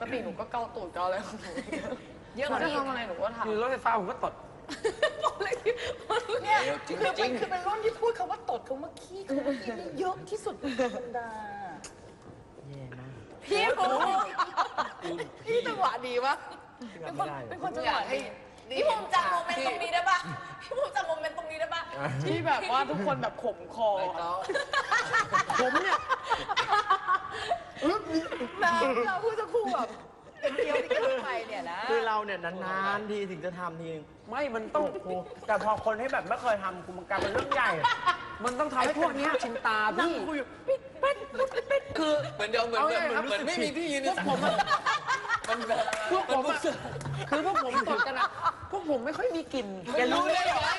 กติหนูก็เกาตูดเกาอะไรของหนูเยอะกว่านี้ทำอะไรหนูก็ทำคือรถไฟฟ้าผมก็ตดเนี่ยจริงคือจริงคือเป็นรุ่นที่พูดคำว่าตดคำว่าขี้คำว่าขี้นี่เยอะที่สุดในบรรดาแย่มากพี่ผมพี่จังหวะดีปะเป็นคนจังหวะดีพี่ภูมิจำโมเมนต์ตรงนี้ได้ปะพี่ภูมิจำโมเมนต์ตรงนี้ได้ปะที่แบบว่าทุกคนแบบขมคอผมเนี่ยเราพูดจะคู่แบบเป็นเดียวที่กันไปเนี่ยนะคือเราเนี่ยนานๆทีถึงจะทำทีไม่มันต้องโอ้โหแต่พอคนที่แบบไม่เคยทำมันกลายเป็นเรื่องใหญ่มันต้องทำให้พวกเนี้ยชินตาพี่คือเหมือนเดิมเหมือนไม่มีที่ยืนในสังคมมันแบบพวกผมอะคือพวกผมตดกันอะพวกผมไม่ค่อยมีกลิ่นแกรู้ได้ไหม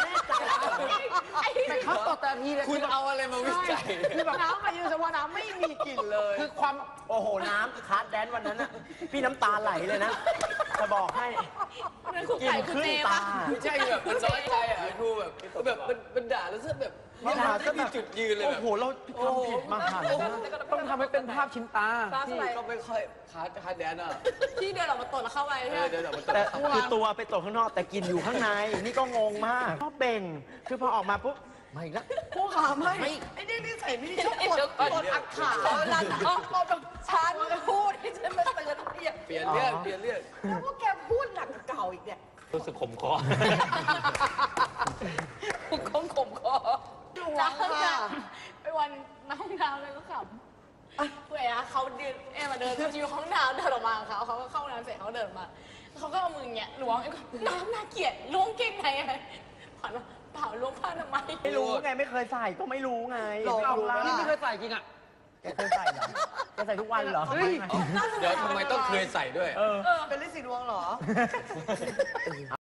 แต่เขาตดแต่ทีเลยคุณเอาอะไรมาวิจัยคือแบบน้ำมายืนสว่าน้ำไม่มีกลิ่นเลยคือความโอ้โหน้ำคัสแดนวันนั้นน่ะพี่น้ำตาไหลเลยนะจะบอกให้นั่นคุกกินไก่คุณขึ้นเจตาปะไม่ใช่แบบมันน้อยใจอ่ะดูแบบมันด่าแล้วแบบไม่ด่าก็มีจุดยืนเลยโอ้แบบโหเราทำผิดมาหันนะต้องทำให้เป็นภาพชินตาที่ก็ไม่ค่อยคาร์ดแดนอ่ะพี่เดินออกมาตดแล้วเข้าไปใช่ไหมเดี๋ยวมันแต่คือตัวไปตกข้างนอกแต่กินอยู่ข้างในนี่ก็งงมากชอบเบ่งคือพอออกมาปุ๊บมาอีกแล้วผู้ขาไม่ไอ้นี่นิสัยไม่ดีชอบกดอักขาเวลาเราแบบฉันพูดที่ฉันมาเตือนเนี่ยเปลี่ยนเรื่องแล้วพวกแกพูดหนักกว่าเก่าอีกเนี่ยรู้สึกขมคอคงขมคอจ้าไปวันน้องดาวเลยก็ขำเพื่อนเขาเดินมาเดินอยู่ห้องน้ำเดินออกมาเขาก็เข้าน้ำเสร็จเขาเดินมาเขาก็เอามือเงี้ยล้วงน้ำน่าเกลียดล้วงเก่งในอะไรผ่านมาเปล่าล้วงผ้าทำไมไม่รู้ไงไม่เคยใส่ก็ไม่รู้ไงหลอกไม่รู้นี่ไม่เคยใส่จริงอะแกเคยใส่เหรอแกใส่ทุกวันเหรอเฮ้ยเดี๋ยวทำไมต้องเคยใส่ด้วยเออเป็นฤทธิ์สีดวงเหรอ